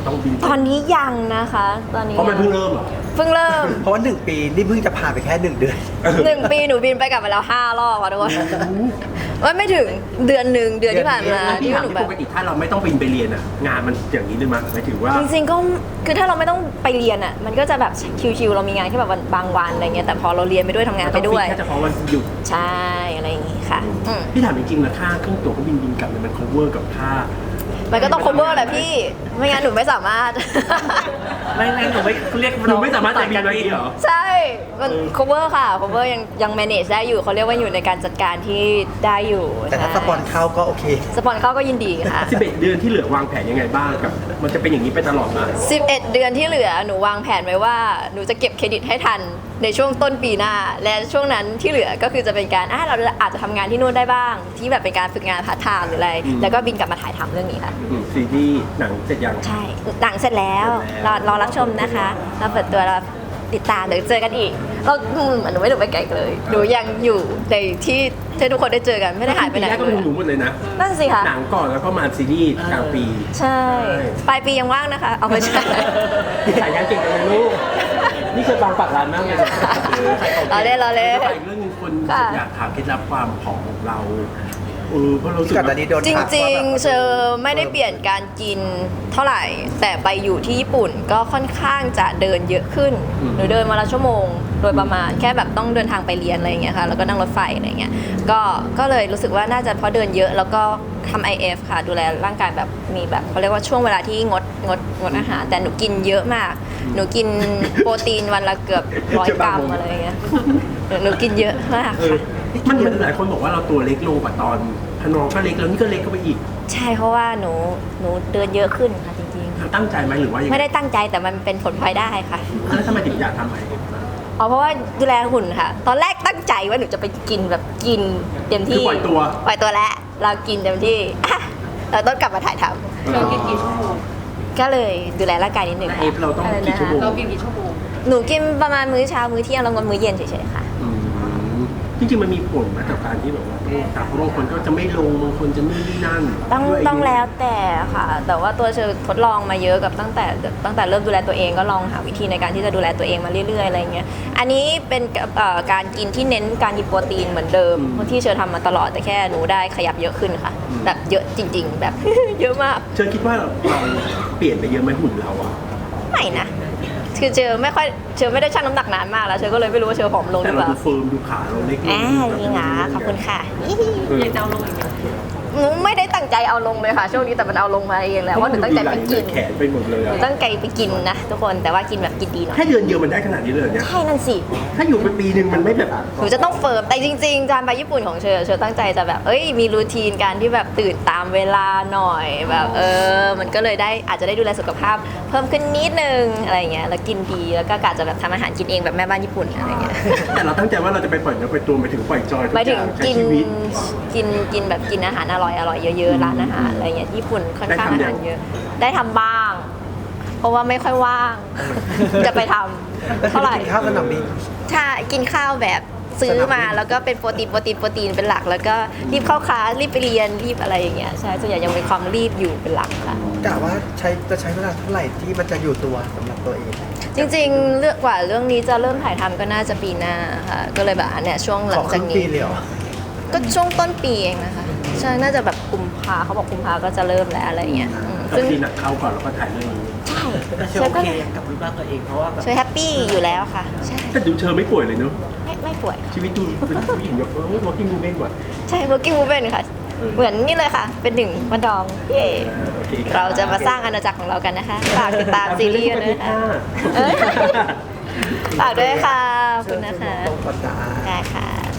ต้องบินตอนนี้ยังนะคะตอนนี้เพราะมันเพิ่งเริ่มเหรอเพิ่งเริ่มเพราะว่า1 ปีนี่เพิ่งจะผ่านไปแค่1 เดือน 1 ปีหนูบินไปกลับมาแล้ว5 รอบค่ะทุกคนว่าไม่ถึงเดือนที่ผ่านมาพี่ที่ถามหนูที่แบปบกติถ้าเราไม่ต้องบินไปเรียนอ่ะงานมันอย่างนี้เลยมั้ยหมายถึงว่าจริงๆก็คือถ้าเราไม่ต้องไปเรียนอ่ะมันก็จะแบบชิวๆเรามีงานแค่แบบบางวันอะไรเงี้ยแต่พอเราเรียนไปด้วยทำงานไปด้วยแค่เฉพาะวันหยุดใช่อะไรอย่างงี้ค่ะอืมพี่ถามจริงๆนะค่าเครื่องตั๋วเครื่องบินกลับเนี่ยมัน cover กับค่ามันก็ต้อง cover แหละพี่ไม่งั้นหนูไม่สามารถไม่หนูไม่เรียกหนูไม่สามารถจะบินไปเหรอใช่มัน cover ค่ะ cover ยัง manage ได้อยู่เขาเรียกว่าอยู่ในการจัดการที่ได้อยู่แต่ถ้าสปอนเข้าก็โอเคสปอนเข้าก็ยินดีค่ะ 11 เดือนที่เหลือวางแผนยังไงบ้างกับมันจะเป็นอย่างนี้ไปตลอดมา 11 เดือนที่เหลือหนูวางแผนไว้ว่าหนูจะเก็บเครดิตให้ทันในช่วงต้นปีหน้า และช่วงนั้นที่เหลือก็คือจะเป็นการเราอาจจะทำงานที่นู่นได้บ้าง ที่แบบเป็นการฝึกงานพาร์ทไทม์หรืออะไร แล้วก็บินกลับมาถ่ายทำเรื่องนี้ค่ะซีรีส์หนังเสร็จยังใช่หนังเสร็จแล้วรอรับชมนะคะเราเปิดตัวเราติดตามเดี๋ยวเจอกันอีกเราหนูไม่หนูไปไกลเลยหนูยังอยู่ในที่ทุกคนได้เจอกันไม่ได้หายไปไหนปีแรกก็เลเป็นยหนูหมดเลยนะนั่นสิคะหนังก่อนแล้วก็มาซีรีส์กลางปีใช่ปลายปียังว่างนะคะเอาไม่ใช่พี่ขายงานเก่งจังเลยลูกนี่เคยบางปากร้านมากเลยเราเล่นไปอีกเรื่องนึงคนอยากถามเคล็ดลับความผอมของเราเพราะเราสึกก่อนหน้านี้โดนจทักว่าริงแบบๆเชอไม่ได้เปลี่ยนการกินเท่าไหร่ แต่ไปอยู่ที่ญี่ปุ่นก็ค่อนข้างจะเดินเยอะขึ้นหนูเดินมาละชั่วโมงโดยประมาณแค่แบบต้องเดินทางไปเรียนอะไรอย่างเงี้ยค่ะแล้วก็นั่งรถไฟอะไรอย่างเงี้ยก็เลยรู้สึกว่าน่าจะเพราะเดินเยอะแล้วก็ทำ IF ค่ะดูแลร่างกายแบบมีแบบเขาเรียกว่าช่วงเวลาที่งดอาหารแต่หนูกินเยอะมากหนูกินโปรตีนวันละเกือบ100 กรัมอะไรอย่างเงี้ยหนูกินเยอะมากค่ะมันหลายคนบอกว่าเราตัวเล็กลงกว่าตอนพนองก็เล็กแล้วนี่ก็เล็กเข้าไปอีกใช่เพราะว่าหนูเดินเยอะขึ้นค่ะจริงตั้งใจไหมหรือว่ายังๆไงไม่ได้ตั้งใจแต่มันเป็นผลพลอยได้ค่ะแล้วทำไมถึงอยากทำไหมเพราะว่าดูแลหุ่นค่ะ ตอนแรกตั้งใจว่าหนูจะไปกินแบบกินเต็มคือที่ปล่อยตัวแล้วเรากินเต็มที่ อ่ะเราต้องกลับมาถ่ายทเรากินกี่ชั่วโมงำก็เลยดูแลร่างกายนิดนึงเอฟเราต้องกี่ชั่วโมงเรากินกี่ชั่วโมงหนูกินประมาณมื้อเช้ามื้อเที่ยงแล้วก็มื้อเย็นเฉยๆค่ะอืมจริงๆมันมีผลมาจากการที่แบบว่าต้องตัดบางคนก็จะไม่ลงบางคนจะนู่นนี่นั่นต้องแล้วแต่ค่ะ แต่ว่าตัวเชอทดลองมาเยอะกับตั้งแต่เริ่มดูแลตัวเองก็ลองหาวิธีในการที่จะดูแลตัวเองมาเรื่อยๆอะไรเงี้ยอันนี้เป็นการกินที่เน้นการกินโปรตีนเหมือนเดิมที่เชอทำมาตลอดแต่แค่หนูได้ขยับเยอะขึ้นค่ะ แบบเยอะจริง ๆ แบบ เยอะมากเชอคิดว่าเราเปลี่ยนไปเยอะไหมหุ่นเราอะไม่นะคือเชอไม่ได้ชั่งน้ำหนักนานมากแล้วเชอก็เลยไม่รู้ว่าเชอผอมลงหแต่รือเปเราล่าดูเฟิร์มดูขาเราเล็กลงจริงเหรอขอบคุณค่ะยังจะเอาลงอีกไหมหนูไม่ได้ตั้งใจเอาลงเลยค่ะช่วงนี้แต่มันเอาลงมาเองแหละว่าหนูตั้งใจไปกินแขนไปหมดเลยหนูอะตั้งใจไปกินนะทุกคนแต่ว่ากินแบบกินดีหน่อยแค่เดือนเดียวมันได้ขนาดนี้เลยเนี่ยใช่นั่นสิถ้าอยู่เป็นปีหนึ่งมันไม่แบบหนูจะต้องเฟิร์มแต่จริงๆการไปญี่ปุ่นของเชอตั้งใจจะแบบมีรูทีนการที่แบบตื่นตามเวลาหน่อยแบบมันก็เลยได้อาจจะได้ดูแลสุขภาพเพิ่มขึ้นนิดนึงอะไรเงี้ยแล้วกินดีแล้วก็กะจะแบบทำอาหารกินเองแบบแม่บ้านญี่ปุ่นอะไรเงี้ยแต่เราตั้งใจว่าเราจะไปปล่อยเนื้อปล่อยตัวหมายถึงปล่อยจอยทุหมายกอถึงย่างใช้กินชีวิตแบบกินอาหารอร่อยเยอะๆร้านอาหารอะไรเงี้ยญี่ปุ่นค่อนข้างอาหารเยอะได้ทำบ้าง เพราะว่าไม่ค่อยว่าง จะไปทำเท่าไหร่กินข้าวสนามบินใช่กินข้าวแบบซื้อมาแล้วก็เป็นโปรตีนเป็นหลัก แล้วก็รีบเข้าคลาสรีบไปเรียนรีบอะไรอย่างเงี้ยใช่ส่วนใหญ่ยังมีความรีบอยู่เป็นหลักค่ะกะว่าจะใช้เวลาเท่าไหร่ที่มันจะอยู่ตัวสำหรับตัวเองจริงๆเรื่องนี้จะเริ่มถ่ายทำก็น่าจะปีหน้าค่ะก็เลยแบบอันเนี้ยช่วงหลัของ คจากรึ่งนี้ปีเลยเหรอก็ช่วงต้นปีเองนะคะใช่น่าจะแบบกุมภาเขาบอกกุมภาก็จะเริ่มแล้วอะไรอย่างเงี้ยก็ซึ่งทีหนักเข้าก่อนแล้วก็ถ่ายเรื่องนี้ใช่แต่เชเชออโอก็เคกับรูปร่างตัวเองเพราะว่าแบบเชอแฮปปี้อยู่แล้วค่ะใช่แต่ดูเชอไม่ป่วยเลยเนอะไม่ป่วยค่ะชีวิตดูเป็นผู้หญิงแบบworking woman กว่าใช่ working woman ค่ะ เหมือนนี่เลยค่ะ เป็นหนึ่งวันดองเย่โอเคคบเราจะมาสร้างอาณาจักรของเรากันนะคะฝากติดตามซีรีส์ด้วยนะคะเอ้ยฝากด้วยค่ะขอบคุณนะคะตรงก่อนจ้าได้ค่ะ